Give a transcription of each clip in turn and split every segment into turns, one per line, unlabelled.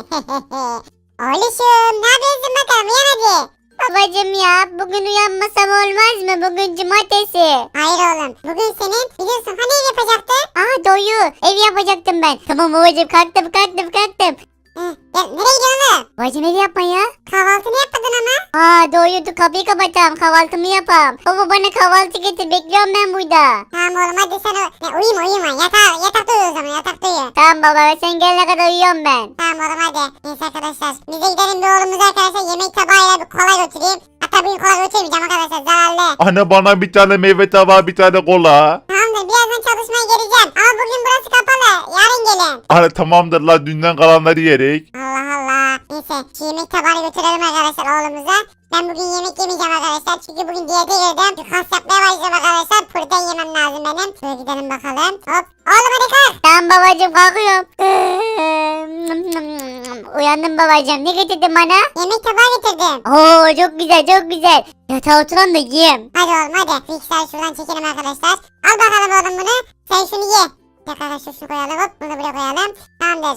Oğluşum ne yapıyorsun bakalım uyan hadi.
Babacım ya bugün uyanmasam olmaz mı? Bugün cumartesi.
Hayır oğlum bugün senin biliyorsun hani ev yapacaktın.
Doyu ev yapacaktım ben. Tamam babacım kalktım.
Ya, nereye gidiyorsun oğlum?
Babacım ev yapma ya.
Kahvaltını yapmadın ama.
Doğru dur kapıyı kapatalım kahvaltımı yapam. Baba bana kahvaltı getir bekliyorum ben burada.
Tamam oğlum hadi sen uyuma yatakta uyu o zaman yatakta uyu.
Tamam baba sen gelene kadar uyuyorum ben.
Tamam oğlum hadi. Neyse arkadaşlar bize gidelim bir oğlumuza arkadaşlar yemek tabağıyla bir kola götüreyim. Hatta bugün kola götürmeyeceğim arkadaşlar zararlı.
Anne bana bir tane meyve tabağı bir tane kola.
Tamamdır birazdan çalışmaya geleceğim. Ama bugün burası kapalı. Yarın gelin.
Anne tamamdır la dünden kalanları yerik.
Allah Allah. Neyse şu yemek tabağını götürelim arkadaşlar oğlumuza. Ben bugün yemek yemeyeceğim arkadaşlar. Çünkü bugün diyete girdim. Bir kas yapmaya başlayacağım arkadaşlar. Protein yemem lazım benim. Şöyle gidelim bakalım. Hop. Oğlum hadi kalk.
Tamam babacım kalkıyorum. Uyandım babacım ne getirdin bana?
Yemek tabağı getirdim.
Çok güzel. Yatağa oturan da yiyeyim.
Hadi oğlum hadi. Bilgisayarı şuradan çekelim arkadaşlar. Al bakalım oğlum bunu. Sen şunu ye. Arkadaşlar şunu koyalım hop. Bunu buraya koyalım. Tamamdır.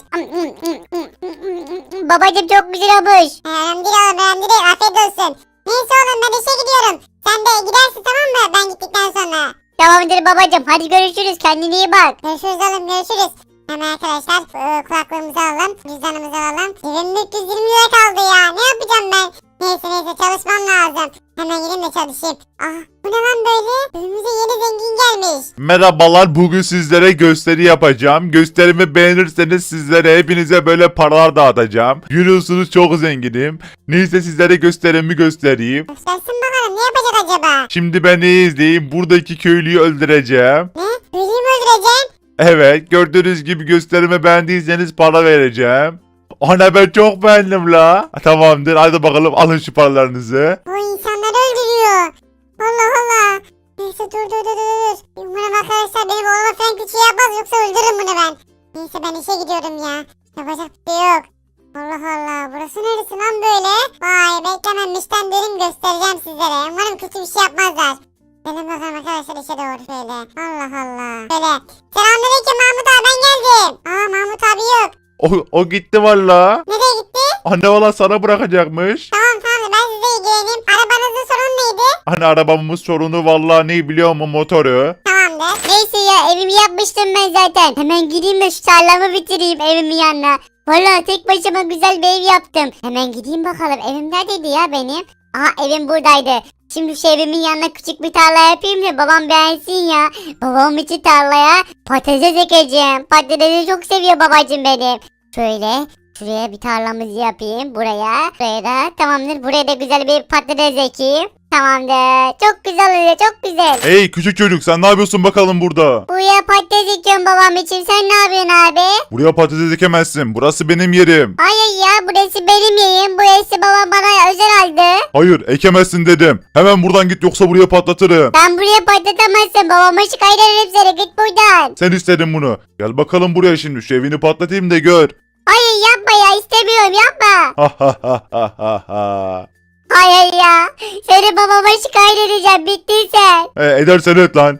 Babacım çok güzel olmuş.
Önemli değil oğlum önemli değil. Afiyet olsun. Neyse oğlum ben işe gidiyorum. Sen de gidersin tamam mı? Ben gittikten sonra.
Tamamdır babacım hadi görüşürüz kendine iyi bak.
Görüşürüz oğlum görüşürüz. Hemen arkadaşlar kulaklığımızı alalım. Cüzdanımızı alalım. 2320 lira kaldı ya. Ne yapacağım ben? Neyse çalışmam lazım. Hemen gideyim de çalışayım. Bu ne lan böyle? Önümüze yeni zengin gelmiş.
Merhabalar bugün sizlere gösteri yapacağım. Gösterimi beğenirseniz sizlere hepinize böyle paralar dağıtacağım. Görüyorsunuz çok zenginim. Neyse sizlere gösterimi göstereyim.
Göstersin bakalım ne yapacak acaba?
Şimdi beni izleyin. Buradaki köylüyü öldüreceğim.
Ne? Ölüyü mü öldüreceksin?
Evet gördüğünüz gibi gösterimi beğendiyseniz para vereceğim. Ana ben çok beğendim la. Tamamdır hadi bakalım alın şu paralarınızı.
Bu insanları öldürüyor. Allah Allah. Neyse dur. Umarım arkadaşlar benim oğluma falan kötü yapmaz yoksa öldürürüm bunu ben. Neyse ben işe gidiyorum ya. Yapacak bir şey yok. Allah Allah burası neresi lan böyle? Vay beklememişten derim göstereceğim sizlere. Umarım kötü bir şey yapmazlar. Gelin bakalım arkadaşlar işe doğru şöyle. Allah Allah. Böyle. Selamünaleyküm Mahmut abi ben geldim. Mahmut abi yok.
O gitti valla.
Nereye gitti?
Anne valla sana bırakacakmış.
Tamam ben size ilgileneyim. Arabanızın sorunu neydi?
Hani arabamız sorunu valla ne biliyor mu motoru.
Tamamdır.
Neyse ya evimi yapmıştım ben zaten. Hemen gideyim de şu tarlamı bitireyim evimin yanına. Valla tek başıma güzel bir ev yaptım. Hemen gideyim bakalım evim neredeydi ya benim? Evim buradaydı. Şimdi şu evimin yanına küçük bir tarla yapayım da babam beğensin ya. Babam için tarlaya patates ekeceğim. Patatesi çok seviyor babacım benim. Şöyle şuraya bir tarlamızı yapayım buraya. Buraya da tamamdır buraya da güzel bir patates ekeyim. Tamamdır. Çok güzel oluyor çok güzel.
Hey küçük çocuk sen ne yapıyorsun bakalım burada?
Buraya patates ekiyorum babam için. Sen ne yapıyorsun abi?
Buraya patates ekemezsin. Burası benim yerim.
Hayır ya burası benim yerim. Burası babam bana özel aldı.
Hayır ekemezsin dedim. Hemen buradan git yoksa buraya patlatırım.
Ben buraya patlatamazsın. Babama şikayet ederim seni. Git buradan.
Sen istedin bunu. Gel bakalım buraya şimdi şu evini patlatayım da gör.
Hayır yapma ya istemiyorum yapma.
Ha ha ha ha ha ha.
Hayır ya. Seni babama şikayet edeceğim. Bittin sen.
Edersen et lan.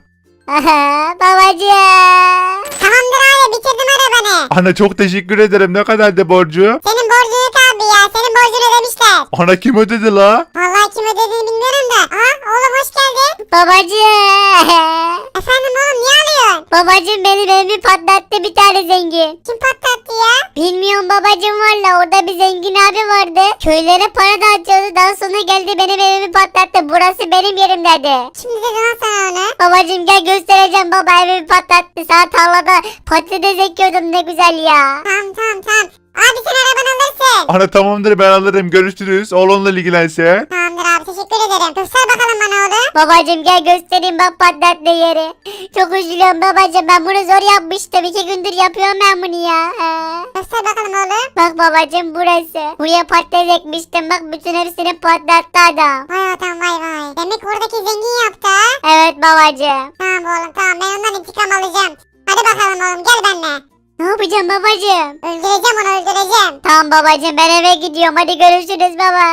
Babacığım.
Tamamdır abi bitirdim arabanı.
Anne çok teşekkür ederim. Ne kadardı borcu?
Senin borcun yok abi ya. Senin borcunu ödemişler.
Ana kim ödedi la?
Vallahi kim ödediğini bilmiyorum da. Oğlum hoş geldin.
Babacığım.
Efendim oğlum niye alıyorsun?
Babacığım benim evimi patlattı bir tane zengin.
Kim patlattı ya?
Bilmiyorum babacığım valla orada bir zengin abi vardı. Köylere para dağıtıyordu. Daha sonra geldi benim evimi patlattı. Burası benim yerim dedi.
Şimdi dedi lan sana onu.
Babacığım gel göstereceğim baba evimi patlattı. Sana tarlada patates ekiyordum ne güzel ya.
Tamam. Abi sen arabanı alırsın.
Ana tamamdır ben alırım. Görüşürüz. Oğlunla ilgilense.
Tamamdır abi teşekkür ederim. Göster bakalım bana oğlum.
Babacığım gel göstereyim bak patlattı yeri. Çok üzülüyorum babacığım ben bunu zor yapmıştım. 2 gündür yapıyorum ben bunu ya.
Göster bakalım oğlum.
Bak babacığım burası. Buraya patates ekmiştim bak bütün hepsini patlattı adam.
Vay adam vay. Demek oradaki zengin yaptı ha.
Evet babacığım.
Tamam oğlum tamam ben ondan intikam alacağım. Hadi bakalım oğlum gel benimle.
Ne yapacağım babacığım?
Öldüreceğim onu öldüreceğim.
Tamam babacığım ben eve gidiyorum hadi görüşürüz baba.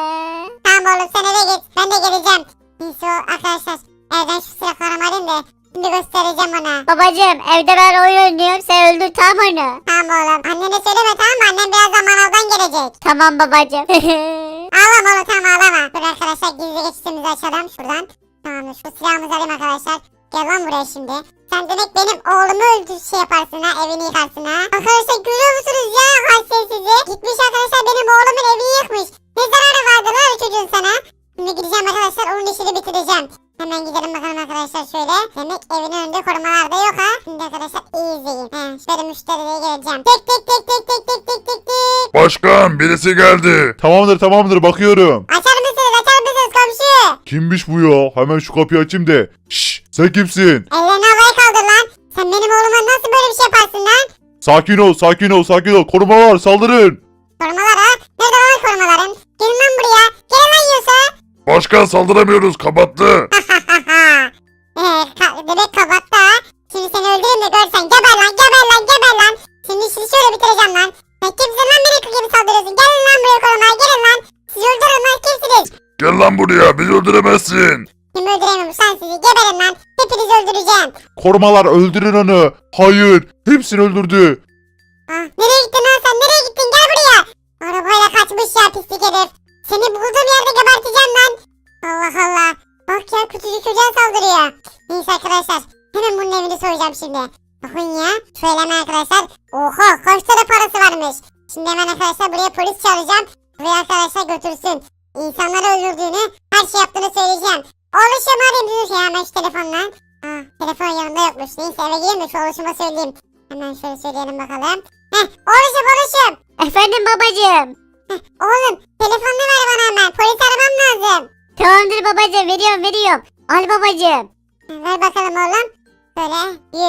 Tamam oğlum sen eve git. Ben de geleceğim. Neyse o arkadaşlar evden şu silahlarımı alayım da Şimdi göstereceğim ona.
Babacım evde ben oyun oynuyorum sen öldür tamam onu.
Tamam oğlum. Annene söyleme tamam mı? Annem birazdan manavdan gelecek.
Tamam babacım.
Ağlama oğlum tamam ağlama. Dur arkadaşlar gizli geçişimizi açalım şuradan. Tamamdır şu silahımızı alayım arkadaşlar. Gel lan buraya şimdi. Sen demek benim oğlumu şey yaparsın ha, evini yıkarsın ha. Arkadaşlar görüyor musunuz ya haysiyet sizi? Gitmiş arkadaşlar benim oğlumun evini yıkmış. Ne zararı vardı lan o çocuğun sana? Şimdi gideceğim arkadaşlar onun işini bitireceğim. Hemen gidelim bakalım arkadaşlar şöyle. Demek evinin önünde korumalar da yok ha. Şimdi arkadaşlar iyi izleyin. Şöyle müşteriye geleceğim. Tek tek tek tek tek tek tek tek tek.
Başkan birisi geldi. Tamamdır bakıyorum.
Açar mısınız komşu?
Kimmiş bu ya? Hemen şu kapıyı açayım de. Şşş sen kimsin?
Ellerini havaya kaldır lan. Sen benim oğluma nasıl böyle bir şey yaparsın lan?
Sakin ol. Korumalar saldırın.
Korumalar ha? Nerede lan korumaların? Gelin lan buraya. Gelin lan yiyorsa.
Başkan saldıramıyoruz kapattı.
Bebek kabattı ha. Şimdi seni öldürürüm de görsen. Geber lan. Şimdi işini şöyle bitireceğim lan. Sen kimsin lan beni gibi saldırıyorsun? Gelin lan buraya korumalar gelin lan. Sizi öldürürüm lan kimsiniz?
Gel lan buraya bizi öldüremezsin.
Kim öldüremiyormuş lan sizi? Geberin lan. Hepinizi öldüreceğim.
Korumalar öldürün onu. Hayır hepsini öldürdü.
Nereye gittin lan sen? Nereye gittin? Gel buraya. Arabayla kaçmış ya pislik herif. Seni bulduğum yerde geberteceğim lan. Allah Allah. Bak ya küçücük çocuğa saldırıyor. Neyse arkadaşlar. Hemen bunun evini soyacağım şimdi. Bakın ya. Şöyle hemen arkadaşlar. Oha kaç tane parası varmış. Şimdi hemen arkadaşlar buraya polis çağıracağım. Buraya arkadaşlar götürsün. İnsanları öldürdüğünü, her şey yaptığını söyleyeceğim. Oğluşum arayayım dur ya hemen şu telefonla. Telefon yanında yokmuş. Neyse eve gireyim de şu oğluşuma söyleyeyim. Hemen şöyle söyleyelim bakalım. Oğluşum.
Efendim babacım.
Oğlum telefonunu ver bana hemen. Polis aramam lazım.
Tamamdır babacım veriyorum. Al babacım.
Ver bakalım oğlum. Şöyle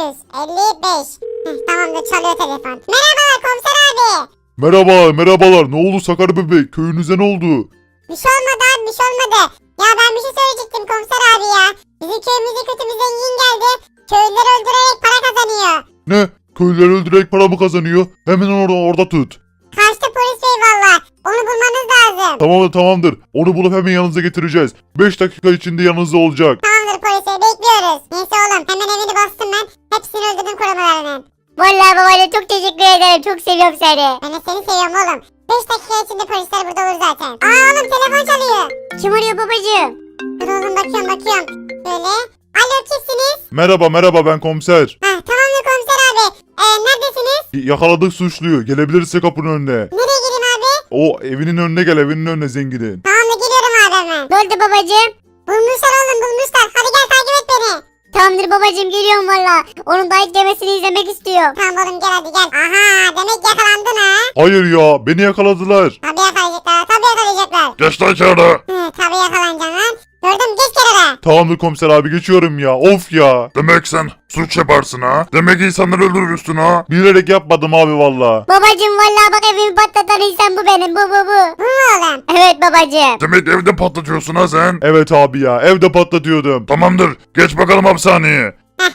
155. Tamamdır çalıyor telefon. Merhabalar komiser abi.
Merhabalar. Ne oldu Sakar bebek? Köyünüze ne oldu?
Bir şey olmadı abi bir şey olmadı. Ya ben bir şey söyleyecektim komiser abi ya. Bizim köyümüze kötü bir zengin geldi. Köylüleri öldürerek para kazanıyor.
Ne? Köylüleri öldürerek para mı kazanıyor? Hemen orada tut.
Kaçtı polis bey valla. Onu bulmanız lazım.
Tamamdır. Onu bulup hemen yanınıza getireceğiz. 5 dakika içinde yanınızda olacak.
Tamamdır polis bey bekliyoruz. Neyse oğlum hemen evini bastım ben. Hepsini öldürdüm korumalarının.
Vallahi babacım çok teşekkür ederim. Çok seviyorum seni.
Ben de seni seviyorum oğlum. 5 dakika içinde polisler burada olur zaten. Oğlum telefon çalıyor.
Kim arıyor babacım?
Dur oğlum bakıyorum. Böyle. Alo kimsiniz?
Merhaba ben komiser.
Tamamdır komiser abi. Neredesiniz?
Yakaladık suçluyu. Gelebilirse kapının önüne.
Nereye geleyim abi?
O evinin önüne gel zenginin.
Tamamdır geliyorum abi hemen.
Ne oldu babacım?
Bulmuşlar oğlum bulmuşlar. Hadi gel takip et beni.
Tamamdır babacım geliyorum valla. Onun dayak yemesini izlemek istiyorum.
Tamam oğlum gel hadi gel. Aha demek yakalandın ha.
Hayır ya beni yakaladılar.
Tabii yakalayacaklar.
Geç lan içeri.
Tabii yakalanacaksın lan. Gördüm geç kenara.
Tamamdır komiser abi geçiyorum ya. Of ya. Demek sen suç yaparsın ha. Demek insanları öldürürsün ha. Bilerek yapmadım abi valla.
Babacım valla bak evimi patlatan insan bu benim bu.
Bu mu oğlum?
Evet babacım.
Demek evde patlatıyorsun ha sen. Evet abi ya evde patlatıyordum. Tamamdır geç bakalım hapishaneye.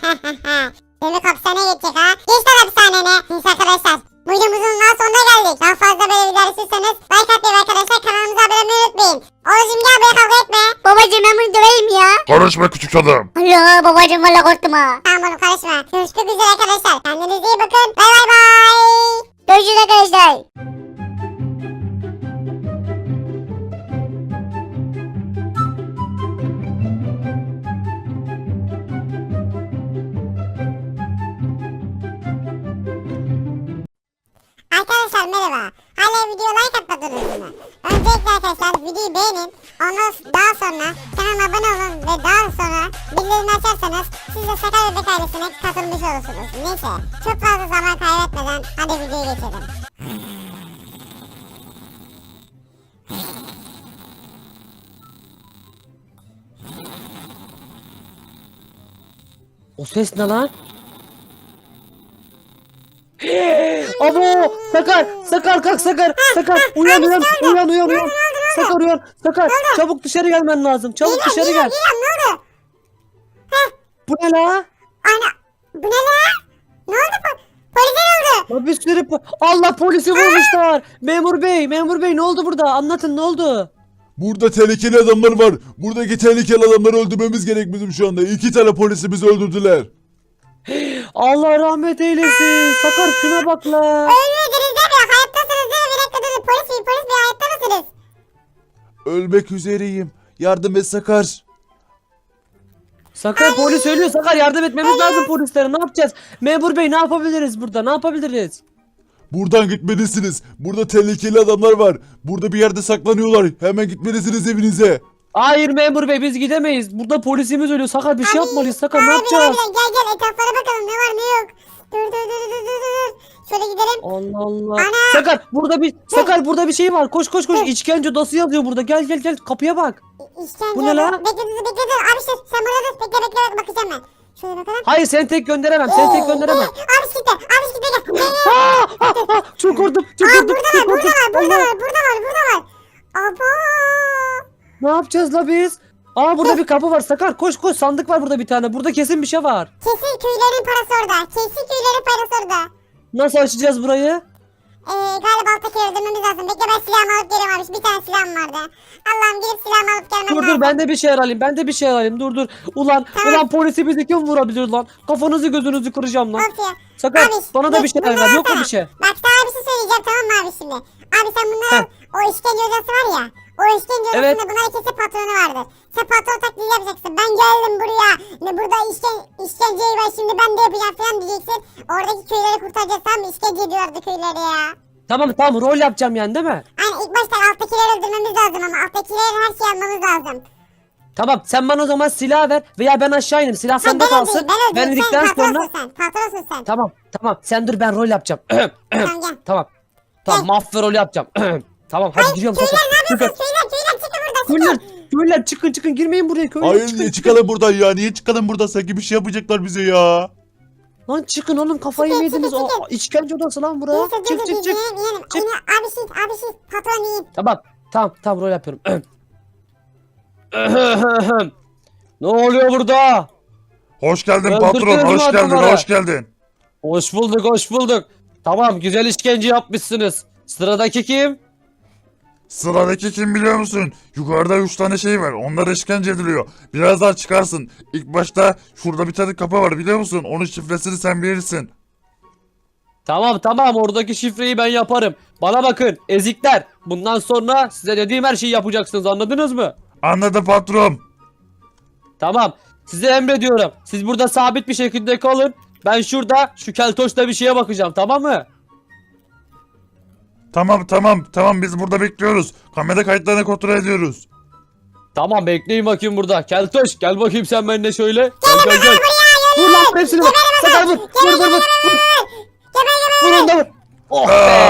Demek hapishaneye gidecek ha. Geç lan hapishanene. Neyse arkadaşlar. Bu videomuzun daha sonuna geldik. Daha fazla böyle videolar istiyorsanız like atmayı arkadaşlar kanalımıza abone olmayı unutmayın. Oğlum gel buraya kavga etme.
Babacım ben bunu döveyim ya.
Karışma küçük adam.
Allah babacım valla korktum ha.
Tamam oğlum karışma. Görüşmek üzere arkadaşlar. Kendinize iyi bakın. Bay.
Görüşürüz arkadaşlar.
Arkadaşlar merhaba. Hala video like atmadınız mı? Öncelikle arkadaşlar videoyu beğenin. Daha sonra kanalıma abone olun ve daha sonra bildirimleri açarsanız siz de Sakar Bebek ailesine katılmış olursunuz. Neyse çok fazla zaman kaybetmeden hadi videoya geçelim.
O ses ne lan? Abo! Sakar kalk Sakar uyan. Sakar çabuk dışarı gelmen lazım. Çabuk dışarı gel.
Geliyorum ne oldu?
Bu ne la?
Ana bu ne lan? Ne oldu polise ne oldu?
Ya bir sürü Allah polisi vurmuşlar. Memur bey ne oldu burada? Anlatın ne oldu?
Burada tehlikeli adamlar var. Buradaki tehlikeli adamları öldürmemiz gerek bizim şu anda. 2 tane polisimizi öldürdüler.
Allah rahmet eylesin. Sakar şuna bak la.
Ölmediniz değil mi? Hayattasınız değil mi? Bir dakika durun. Polis bey hayatta mısınız?
Ölmek üzereyim. Yardım et Sakar.
Sakar polis ölüyor. Sakar yardım etmemiz lazım polislere. Ne yapacağız? Memur bey ne yapabiliriz burada? Ne yapabiliriz?
Buradan gitmelisiniz. Burada tehlikeli adamlar var. Burada bir yerde saklanıyorlar. Hemen gitmelisiniz evinize.
Hayır memur bey biz gidemeyiz. Burada polisimiz ölüyor. Sakar bir şey yapmalıyız. Sakar ne yapacağız?
Harbiden gel etraflara bakalım ne var ne yok. Dur. Şöyle gidelim.
Allah Allah.
Ana!
Sakar burada bir şey var. Koş. İşkence odası yazıyor burada. Gel kapıya bak.
İşkence.
Bu ne lan?
Bekle. Abi sen burada dur. Bekle bakacağım ben. Şöyle bakalım.
Hayır seni tek gönderemem. Seni tek gönderemem.
Abi gitti gel.
Çok korktum.
Burada var. Abo.
Ne yapacağız la biz? Burada bir kapı var. Sakar koş sandık var burada bir tane. Burada kesin bir şey var.
Kesin köylerin parası orada.
Nasıl açacağız burayı?
Galiba alttakileri öldürmemiz lazım. Bekle ben silahımı alıp geliyorum abi. Bir tane silahım vardı. Allah'ım gidip silahımı alıp gelmem lazım.
Dur ben de bir şey alayım. Dur. Ulan polisi bizi kim vurabilir lan? Kafanızı gözünüzü kıracağım lan.
Of ya.
Sakar
Abi,
bana da bir şey ver. Yok mu bir şey?
Bak sana bir şey söyleyeceğim tamam mı abi şimdi? Abi sen bunları al. O işkence odası var ya. O işkence odasında
Evet.
bunların kesin patronu vardır. Sen patron taklidi yapacaksın. Ben geldim buraya. Burada işkenceyi var şimdi ben de yapacağım falan diyeceksin. Oradaki köyleri kurtaracağız tamam mı? İşkence ediyordu köyleri ya.
Tamam rol yapacağım yani değil mi?
Yani ilk başta alttakileri öldürmemiz lazım ama alttakilerin her şeyi almamız lazım.
Tamam sen bana o zaman silah ver veya ben aşağı ineyim. Silah sende
Ben
kalsın.
öldüreyim.
Ben indikten
Sen
sonra...
patronsun sen.
Tamam sen dur ben rol yapacağım.
Tamam gel.
Tamam mafya rolü yapacağım. Tamam hadi giriyorum
Köyler
Sakar.
ne yapıyorsunuz? Köyler çıkın buradan çıkın.
Köylüler çıkın girmeyin buraya köylüler
Hayır
çıkın.
niye çıkalım buradan ya? Niye çıkalım buradan? Sanki bir şey yapacaklar bize ya.
Lan çıkın oğlum kafayı
Çıkın,
yediniz.
çıkın.
İşkence odası lan bura.
Neyse dur
Çık.
yiyelim.
Çık.
Abi patron yiyin.
Tamam rol yapıyorum. Ne oluyor burada?
Hoş geldin
Öldürdünüz
patron.
mü
Hoş geldin.
adamları?
Hoş geldin.
Hoş bulduk. Tamam güzel işkence yapmışsınız. Sıradaki kim?
Sıradaki kim biliyor musun? Yukarıda 3 tane şey var. Onlar işkence ediliyor. Birazdan çıkarsın. İlk başta şurada bir tane kapı var biliyor musun? Onun şifresini sen bilirsin.
Tamam oradaki şifreyi ben yaparım. Bana bakın ezikler. Bundan sonra size dediğim her şeyi yapacaksınız anladınız mı?
Anladım patron.
Tamam size emrediyorum. Siz burada sabit bir şekilde kalın. Ben şurada şu keltoşla bir şeye bakacağım tamam mı?
Tamam biz burada bekliyoruz. Kamera kayıtlarını kontrol ediyoruz.
Tamam bekleyin bakayım burada. Keltoş gel bakayım sen benimle şöyle. Gel. Vur lan hepsini vur. Sakar vur. Vurun da vur. Oh be.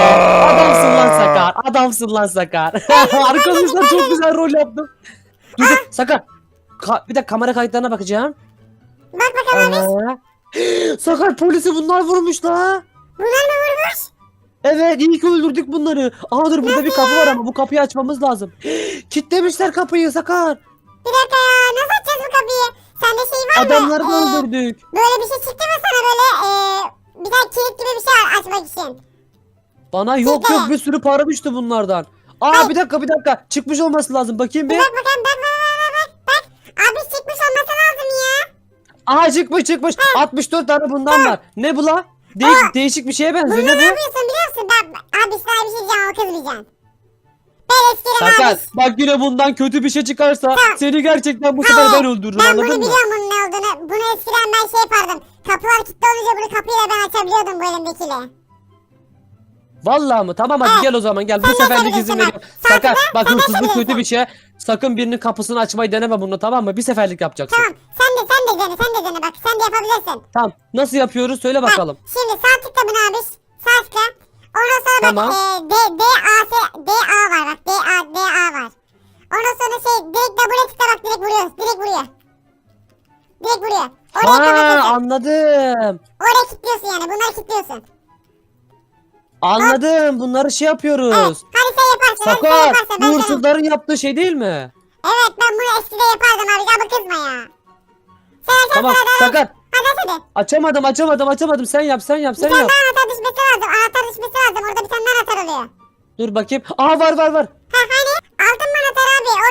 Adamsın lan Sakar. Arkadaşlar çok güzel rol yaptım. Dur Sakar. Bir de kamera kayıtlarına bakacağım.
Bak bakalım abi.
Sakar polisi bunlar vurmuş la.
Bunlar mı vurmuş?
Evet iyi ki öldürdük bunları. Dur burada bir kapı var ama bu kapıyı açmamız lazım. Kitlemişler kapıyı Sakar.
Bir dakika ya nasıl açacağız bu kapıyı? Sende şey var mı?
Adamları da öldürdük.
Böyle bir şey çıktı mı sana böyle bir tane kilit gibi bir şey açmak için?
Bana yok bir sürü para düştü bunlardan. Bir dakika çıkmış olması lazım bakayım bir.
Bak bakalım bak. Abi çıkmış olması lazım ya.
Çıkmış 64 tane bundan var. Ne bu la? Değişik bir şeye benziyor
Bunu
ne
ne
bu?
yapıyorsun biliyor musun? Abi sana bir şey diyeceğim ama kızmayacaksın. Ben eskiden
Sakar
abi.
bak yine bundan kötü bir şey çıkarsa seni gerçekten bu sefer ben öldürürüm
Ben bunu
anladın mı?
biliyorum bunun ne olduğunu. Bunu eskiden ben şey yapardım. Kapılar kilitli olunca bunu kapıyla ben açabiliyordum bu elimdekiyle.
Vallahi mı? Tamam hadi gel o zaman gel. Bu
Sen
seferlik
de
izin
sen
veriyorum.
de.
Sakar bak
Sen de
hırsızlık
sen de.
kötü bir şey. Sakın birinin kapısını açmayı deneme bunu tamam mı? Bir seferlik yapacaksın.
Tamam sen de dene bak sen de yapabilirsin.
Tamam. Nasıl yapıyoruz? Söyle bakalım.
Şimdi sağ tıkla bunu abi. Sağ tıkla. Ondan sonra
Tamam.
bak DA var bak DA var. Ondan sonra direkt double tıkla bak direkt vuruyor. Direkt vuruyor. Oraya
Anladım.
Oraya kilitliyorsun yani bunları kilitliyorsun.
Anladım. Bunları şey yapıyoruz.
Evet hadi sen yaparsın. Hadi sen
Sakar
yaparsın.
bu
Ben sana.
hırsızların yaptığı şey değil mi?
Evet ben bunu eskiden yapardım abi. Abi kızma ya. Sen açarsın
Tamam
hadi.
Sakar.
Hadi.
Açamadım. Sen yap.
Bir tane daha anahtar düşmesi lazım. Anahtar düşmesi lazım. Orada bir tane daha anahtar oluyor.
Dur bakayım. Var.
Ha hani? Aldın mı anahtarı abi?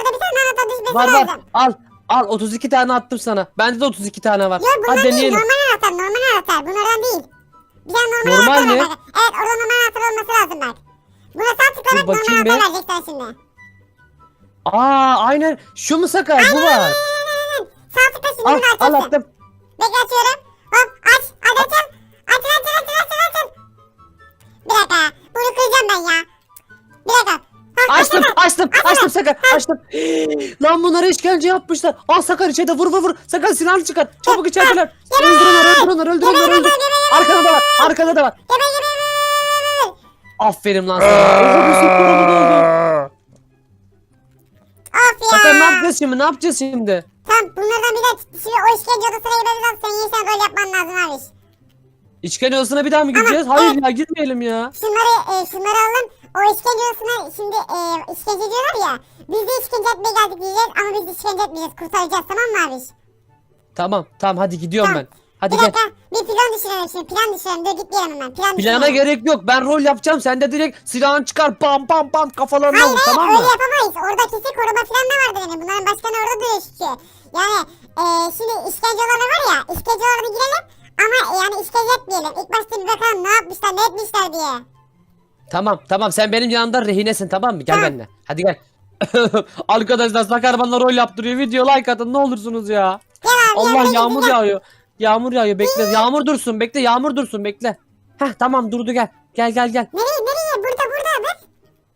Var var.
lazım.
Al. Al 32 tane attım sana. Bende de 32 tane var.
Yok bunlar
Hadi
değil.
deneyelim.
Normal anahtar. Bunlardan değil. Bir tane normal
Normal
anahtar
mi?
var bak. Evet orada normal anahtar olması lazım bak. Buna sağ tıklamak
Dur
normal
bakayım
anahtar
bir.
verecek sana şimdi.
Aa aynen. Şu mu Sakar? Bu var.
Aynen. Sağ tıkla şimdi
Al
bunu
al
açarsın.
attım.
Bekle açıyorum. Hop aç. Hadi açın. Açın. Bir dakika. Bunu kıracağım ben ya. Bir dakika. Hop,
Açtım Sakar açtım. Lan bunlara işkence yapmışlar. Al Sakar içeride vur. Sakar silahını çıkar. Çabuk içerideler. Öldür onları. Arkada da var. Aferin lan sana. Oha bir sürü paramız oldu.
Of ya.
Sakar ne yapacağız şimdi?
Tamam bunlardan bir de şimdi o işkence odasına gitmemiz lazım. Senin yeniden rol yapman lazım abi.
İşkence odasına bir daha mı gideceğiz? Hayır ya gitmeyelim ya.
Şunları alın. O işkence odasına şimdi işkence diyorlar ya. Biz de işkence etmeye geldik diyeceğiz ama biz de işkence etmeyeceğiz. Kurtaracağız tamam mı abi?
Tamam hadi gidiyorum ben. Hadi
Bir
gel.
dakika bir plan düşünelim şimdi. Plan düşünelim. Dur gitmeyelim hemen. Plan
Plana
düşünelim.
gerek yok. Ben rol yapacağım. Sen de direkt silahını çıkar. Bam kafalarına vur tamam
Öyle
mı?
yapamayız. Orada kesin koruma falan da vardır yani. Bunların başkanı orada duruyor çünkü. Yani şimdi işkence olanı var ya. İşkence olanı girelim. Ama yani işkence etmeyelim. İlk başta bir bakalım ne yapmışlar ne etmişler diye.
Tamam sen benim yanımda rehinesin tamam mı? Gel
Tamam.
benimle. Hadi gel. Arkadaşlar Sakar bana rol yaptırıyor. Video like atın ne olursunuz ya.
Gel abi.
Allah
yanına
yağmur
gidin,
yağıyor. Yağmur yağıyor bekle. Yağmur dursun bekle. Yağmur dursun bekle. Heh tamam durdu gel. Gel.
Nereye? Burada bak.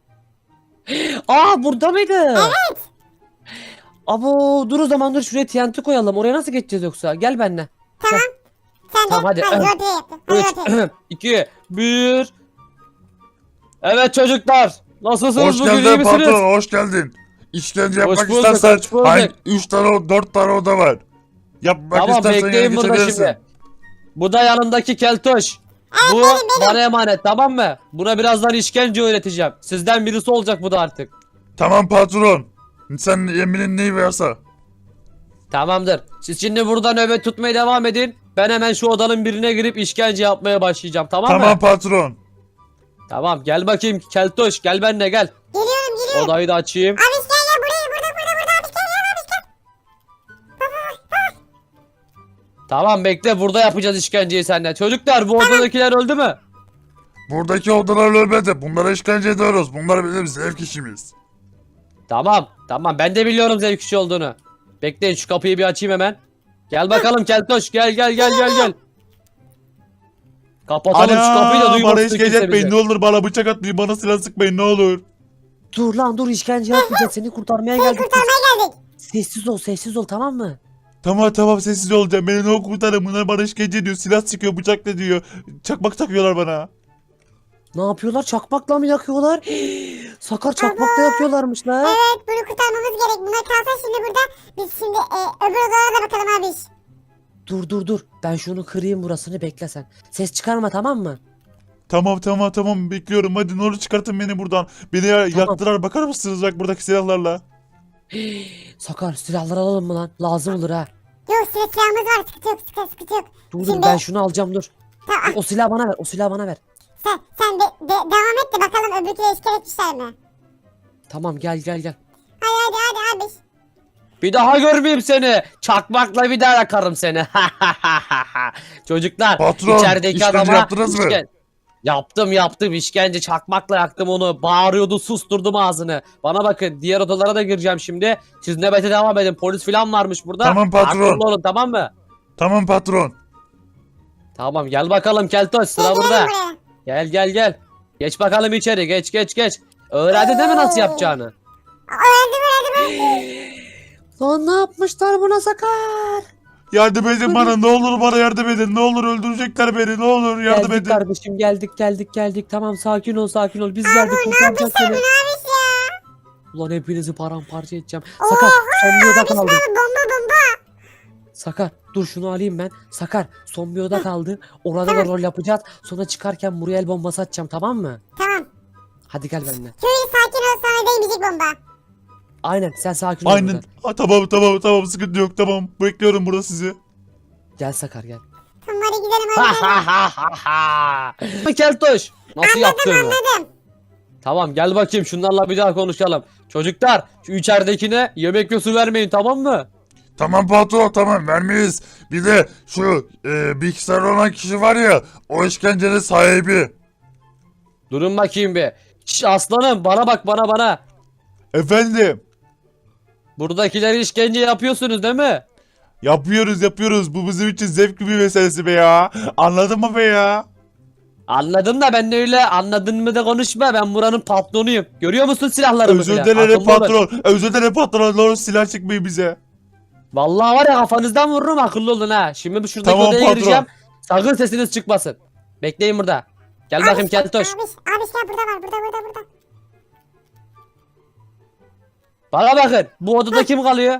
Aa burada mıydı?
Evet.
Abo dur o zaman dur şuraya TNT koyalım. Oraya nasıl geçeceğiz yoksa? Gel benimle.
Tamam. Sen de.
Tamam, hadi.
Roleplay yaptın. Hadi
3,
roleplay.
2, 1. Evet çocuklar. Nasılsınız
Hoş
bugün iyi
geldin
misiniz?
patron, hoş geldin. İşkence
Hoş
yapmak
bulduk,
istersen
hoş bulduk.
hangi 3 tane 4 tane oda var. Yapmak
Tamam
istersen
bekleyin
yana
burada
geçebilirsin.
şimdi. Bu da yanındaki keltoş. Bu bana emanet tamam mı? Buna birazdan işkence öğreteceğim. Sizden birisi olacak bu da artık.
Tamam patron. Sen emrin neyi varsa.
Tamamdır. Siz şimdi burada nöbet tutmaya devam edin. Ben hemen şu odanın birine girip işkence yapmaya başlayacağım tamam mı?
Tamam patron.
Tamam gel bakayım keltoş gel benimle gel.
Geliyorum.
Odayı da açayım.
Abi gel buraya. Burada. Abi gel.
Tamam bekle burada yapacağız işkenceyi seninle. Çocuklar bu odadakiler öldü mü?
Buradaki odalar ölmedi. Bunlara işkence ediyoruz. Bunlar bizim zevk işimiz.
Tamam ben de biliyorum zevk işi olduğunu. Bekleyin şu kapıyı bir açayım hemen. Gel bakalım keltoş gel. Kapatalım şu kapıyı da
Ana bana
duymasın
işkence
kimse
etmeyin
bizi.
ne olur bana bıçak atmayın bana silah sıkmayın ne olur.
Dur lan dur işkence yapmayacağız seni kurtarmaya geldik. biz.
Kurtarmaya geldik.
Sessiz ol tamam mı?
Tamam sessiz olacağım beni ne olur kurtarın bunlar bana işkence ediyor silah sıkıyor bıçakla diyor. Çakmak takıyorlar bana.
Ne yapıyorlar çakmakla mı yakıyorlar? Sakar çakmakla yakıyorlarmış la.
Evet bunu kurtarmamız gerek. Bunlar kalsa şimdi burada. Biz şimdi öbür odalara da bakalım abi.
Dur ben şunu kırayım burasını bekle sen. Ses çıkarma tamam mı?
Tamam bekliyorum hadi ne olur çıkartın beni buradan. Beni yaktılar bakar mısınız bak buradaki silahlarla.
Sakar silahları alalım mı lan? Lazım olur ha.
Yok silahımız var. Sıkıntı yok.
Dur
Şimdi-
ben şunu alacağım dur.
Tamam.
O silahı bana ver.
Sen devam et de bakalım öbürküyle işgal etmişler mi?
Tamam gel.
Hadi abi.
Bir daha görmeyeyim seni. Çakmakla bir daha yakarım seni. Çocuklar
Patron,
içerideki
işkence
adama
yaptınız mı?
Yaptım işkence çakmakla yaktım onu. Bağırıyordu susturdum ağzını. Bana bakın diğer odalara da gireceğim şimdi. Siz nöbete devam edin. Polis falan varmış burada.
Tamam, patron.
Akıllı olun tamam mı?
Tamam patron.
Tamam gel bakalım Keltoş sıra burada.
Buraya.
Gel. Geç bakalım içeri geç. Öğrendin değil mi nasıl yapacağını?
Öğrendim.
Lan ne yapmışlar buna Sakar?
Yardım edin bana ne olur bana yardım edin ne olur öldürecekler beni ne olur yardım
Geldik
edin.
kardeşim geldik. Tamam sakin ol. Biz geldik kurtaracağız seni.
Abi ya.
Ulan hepinizi paramparça edeceğim. Sakar son bir oda kaldı.
Abi bomba.
Sakar dur şunu alayım ben. Sakar son bir oda kaldı. Orada da rol yapacağız. Sonra çıkarken Muriel bombası atacağım tamam mı?
Tamam.
Hadi gel benimle.
Şöyle sakin ol sana değmeyecek bomba.
Aynen sen sakin ol.
Aynen.
burada.
Tamam sıkıntı yok tamam bekliyorum burada sizi.
Gel Sakar gel.
Tamam hadi gidelim hadi gidelim.
Keltoş. Nasıl yaptığını.
Anladım.
Tamam gel bakayım şunlarla bir daha konuşalım. Çocuklar şu içeridekine yemek ve su vermeyin tamam mı?
Tamam patron tamam vermeyiz. Bir de şu bilgisayar olan kişi var ya o işkencenin sahibi.
Durun bakayım bir. Şş, aslanım bana bak bana.
Efendim?
Buradakileri işkence yapıyorsunuz değil mi?
Yapıyoruz. Bu bizim için zevkli bir meselesi be ya. Anladın mı be ya?
Anladım da ben de öyle anladın mı da konuşma. Ben buranın patronuyum. Görüyor musun silahlarımı
Özür
filan?
dilerim
Akıllı olun.
patron. Özür dilerim patron. Doğru silah çıkmayın bize.
Vallahi var ya kafanızdan vururum akıllı olun ha. Şimdi bir şuradaki
Tamam,
odaya
patron.
gireceğim. Sakın sesiniz çıkmasın. Bekleyin burada. Gel bakayım Keltoş.
Abi gel burada var burada.
Bana bakın. Bu odada kim kalıyor?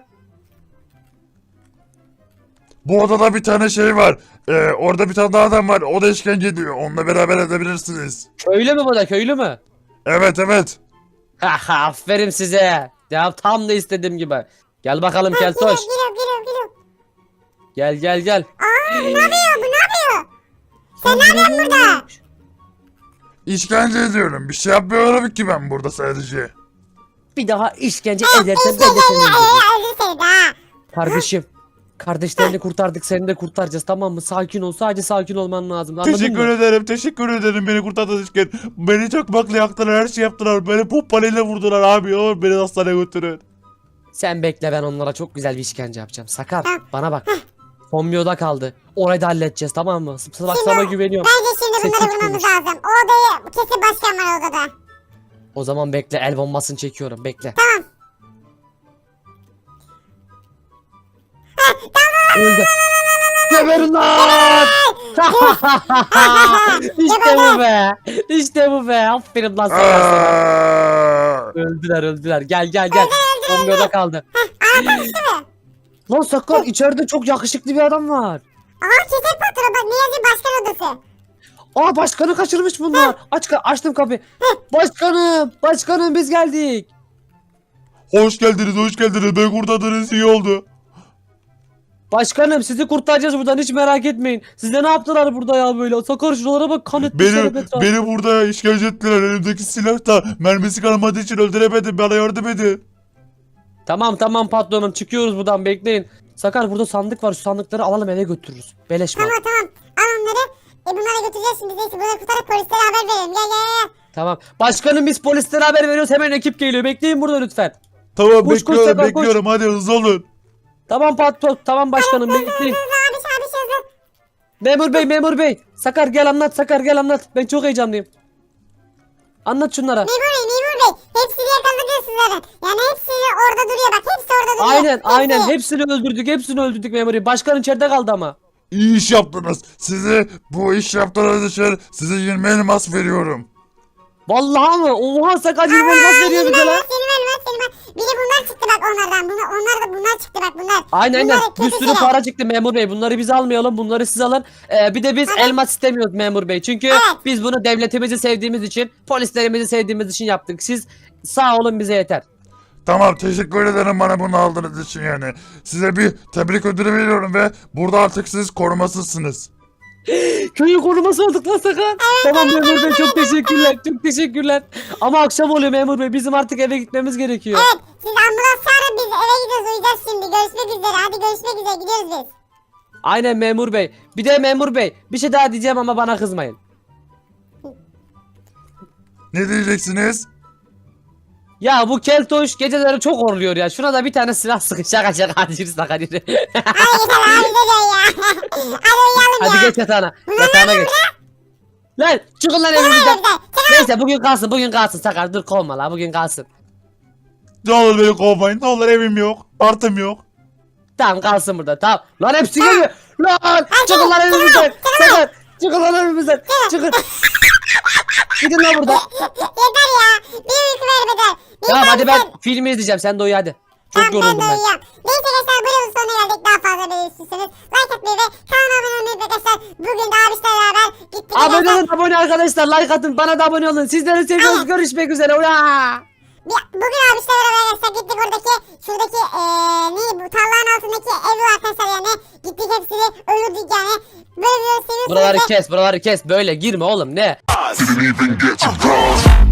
Bu odada bir tane şey var. Orada bir tane daha adam var. O da işkence ediyor. Onunla beraber edebilirsiniz.
Köylü mü bu da köylü mü?
Evet.
Haha aferin size. Ya tam da istediğim gibi. Gel bakalım Keltoş.
Geliyor.
Gel.
Aa bu ne yapıyor? Sen ne yapıyorsun burada?
İşkence ediyorum. Bir şey yapmıyorum ki ben burada sadece.
Bir daha işkence edersen ben de seni öldürürüm.
Öldür seni de ha.
Kardeşim. Kardeşlerini kurtardık seni de kurtaracağız tamam mı? Sakin ol sadece sakin olman lazım anladın
Teşekkür
mı?
ederim beni kurtardığınız için. Beni çok bakla yaktılar, her şey yaptılar. Beni pompalıyla vurdular abi. Olur beni hastaneye götürün.
Sen bekle ben onlara çok güzel bir işkence yapacağım. Sakar
Tamam.
bana bak. Son bir oda kaldı. Orayı da halledeceğiz tamam mı? Bak sana güveniyorum.
Bence şimdi bunları
Sessiz
bulmamız
konuş.
lazım. O odayı kesin başkan var odada.
O zaman bekle el bombasını çekiyorum bekle.
Tamam.
Öldü. Geberin lan! İşte bu be. İşte bu be. Aferin lan sana.
Aa!
Öldüler. Gel. Son bir oda kaldı. Lan Sakar içeride çok yakışıklı bir adam var.
Aa kesin patron bak ne yazıyor başkan odası.
Aa başkanı kaçırmış bunlar. Açtım kapıyı. Başkanım biz geldik.
Hoş geldiniz. Beni kurtardınız, iyi oldu.
Başkanım sizi kurtaracağız buradan hiç merak etmeyin. Size ne yaptılar burada ya böyle? Sakar şuralara bak kan etmişler etrafa.
Beni burada işkence ettiler. Elimdeki silah da mermisi kalmadığı için öldüremedim. Bana yardım edin.
Tamam patronum çıkıyoruz buradan bekleyin. Sakar burada sandık var şu sandıkları alalım eve götürürüz. Beleş mal.
Tamam. Al onları. Bunları götüreceğiz şimdi. Neyse bunları kurtarıp polislere haber verelim. Gel.
Tamam. Başkanım biz polislere haber veriyoruz hemen ekip geliyor. Bekleyin burada lütfen.
Tamam
Koş, Sakar,
bekliyorum. Hadi hızlı olun.
Tamam patron tamam başkanım bekleyin.
Abi hızlı.
Memur bey. Sakar gel anlat. Ben çok heyecanlıyım. Anlat şunlara.
Memur Bey. Hepsini yakaladık sizlerin. Yani hepsi orada duruyor bak. Hepsi orada duruyor.
Aynen
Hepsi.
hepsini öldürdük memur bey. Başkan içeride kaldı ama.
İyi iş yaptınız. Size bu iş yaptığınız için size 20 elmas veriyorum.
Vallahi mı? Oha Sakar 20 elmas veriyor bize lan.
Selim. Bir de bunlar çıktı bak onlardan. Bunlar çıktı bak bunlar.
Aynen
Bunlar
bir
kötü
sürü
şeyler.
para çıktı memur bey. Bunları biz almayalım. Bunları siz alın. Bir de biz elmas istemiyoruz memur bey. Çünkü
Evet.
biz bunu devletimizi sevdiğimiz için, polislerimizi sevdiğimiz için yaptık. Siz sağ olun bize yeter.
Tamam teşekkür ederim bana bunu aldığınız için yani. Size bir tebrik ödülü veriyorum ve burada artık siz korumasızsınız.
Köyün koruması olduk lan Sakar. Tamam memur bey çok teşekkürler. Ama akşam oluyor memur bey. Bizim artık eve gitmemiz gerekiyor.
Evet. Siz ambulans çağırın biz eve gidiyoruz. Uyuyacağız şimdi. Görüşmek üzere. Hadi görüşmek üzere. Gidiyoruz biz.
Aynen memur bey. Bir de memur bey bir şey daha diyeceğim ama bana kızmayın.
Ne diyeceksiniz?
Ya bu keltoş geceleri çok horluyor ya. Şuna da bir tane silah sıkın. Şaka hadi yürü Sakar yürü.
Hadi gidelim ya. Hadi uyuyalım ya.
Hadi geç yatağına. Yatağına geç. Lan çıkın lan evimizden. Neyse bugün kalsın Sakar dur kovma la bugün kalsın.
Ne olur beni kovmayın. Ne olur evim yok. Artım yok.
Tamam kalsın burada tamam. Lan hepsi geliyor. Lan çıkın lan evimizden. Sakar çıkın lan evimizden. Çıkın. Gidin lan burada.
Yeter ya. Bir uyku vermeden.
Tamam hadi ben filmi izleyeceğim sen de uyu hadi. Çok
Ben de
yoruldum ben.
uyuyacağım. Neyse arkadaşlar bu yılın sonuna geldik. Daha fazla böyle istiyorsanız like atmayı ve kanalıma abone olmayı arkadaşlar. Bugün de abişlerle beraber gittik.
Abone olun abone arkadaşlar like atın bana da abone olun. Sizleri seviyoruz görüşmek üzere. Ula.
Bugün abişlerle beraber arkadaşlar gittik şuradaki neydi bu tarlanın altındaki evi arkadaşlar yani. Gittik hepsini öldürdük yani. Böyle bir seviyorsunuz.
Buraları kes böyle girme oğlum ne?
Didn't even get to cross.